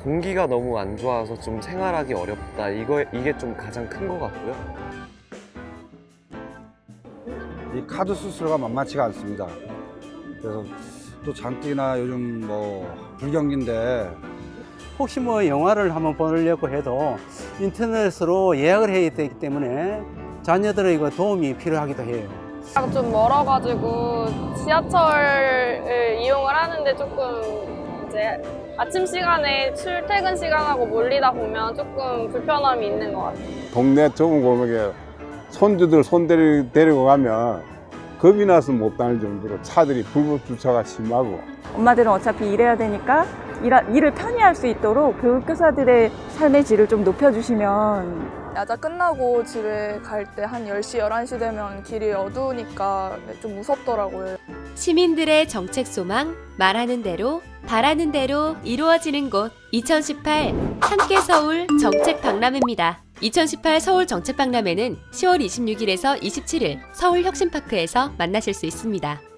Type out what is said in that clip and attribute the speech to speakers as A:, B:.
A: 공기가 너무 안 좋아서 좀 생활하기 어렵다. 이게 좀 가장 큰 것 같고요.
B: 이 카드 수수료가 만만치가 않습니다. 그래서 또 장기나 요즘 뭐 불경기인데
C: 혹시 뭐 영화를 한번 보려고 해도 인터넷으로 예약을 해야 되기 때문에 자녀들의 도움이 필요하기도 해요.
D: 좀 멀어가지고 지하철을 이용을 하는데 조금 이제 아침 시간에 출퇴근 시간하고 몰리다 보면 조금 불편함이 있는 것 같아요.
E: 동네 좁은 골목에 손주들 데리고 가면 겁이 나서 못 다닐 정도로 차들이 불법 주차가 심하고.
F: 엄마들은 어차피 일해야 되니까 일을 편히 할 수 있도록 교육교사들의 삶의 질을 좀 높여주시면.
G: 야자 끝나고 집에 갈 때 한 10시, 11시 되면 길이 어두우니까 좀 무섭더라고요.
H: 시민들의 정책 소망, 말하는 대로, 바라는 대로 이루어지는 곳 2018 함께 서울 정책 박람회입니다. 2018 서울 정책 박람회는 10월 26일에서 27일 서울 혁신파크에서 만나실 수 있습니다.